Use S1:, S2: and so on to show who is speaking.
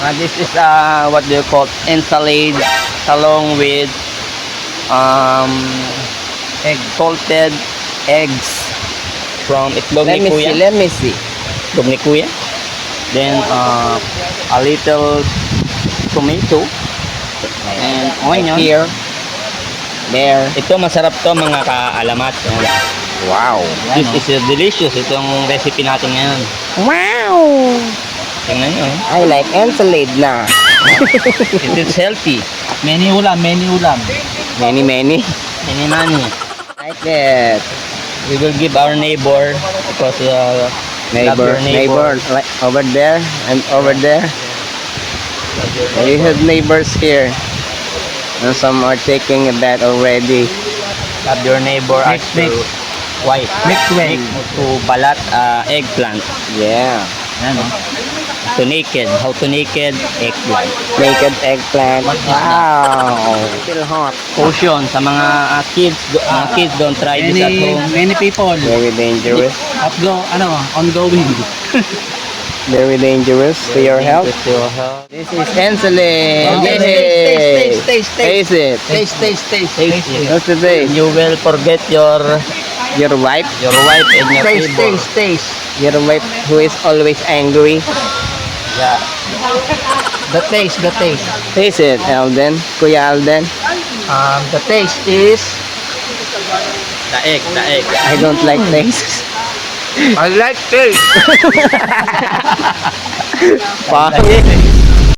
S1: This is what do you call ensalade along with salted eggs from itlog ni Kuya.
S2: Let me see.
S1: Itlog ni Kuya. Then a little tomato and onion.
S2: Here. There.
S1: Ito masarap to mga kaalamat.
S2: Wow.
S1: This is delicious itong recipe natin ngayon.
S2: Wow.
S1: Tingnan nyo.
S2: I like ensalade na.
S1: It is healthy.
S3: Many ulam.
S2: Many.
S1: Many money.
S2: Like it.
S1: We will give our neighbor because love your
S2: Neighbor, like over there and over there. We have neighbors here. And some are taking a bath already.
S1: Love your neighbor as
S3: Mix.
S1: to wife.
S3: Mix well.
S1: To balat eggplant.
S2: Yeah.
S3: Yan, oh.
S1: To naked. How to naked eggplant.
S2: Naked eggplant. Wow. Still hot.
S1: Caution sa mga kids don't try this at home.
S3: Many people
S2: Very dangerous.
S3: ongoing.
S2: Very dangerous to your health.
S1: To your health.
S2: This is ensalade.
S3: Oh,
S2: Yay.
S3: taste.
S2: Taste it.
S3: Taste.
S1: Tasty.
S2: What's the taste?
S1: You will forget your
S2: Your wife?
S1: wife and your neighbor.
S3: Taste.
S2: Your wife who is always angry.
S1: Yeah.
S3: The taste.
S2: Taste it, Alden. Kuya Alden.
S3: The taste is
S1: The egg.
S2: I don't like taste.
S3: I like taste.
S2: Pangit.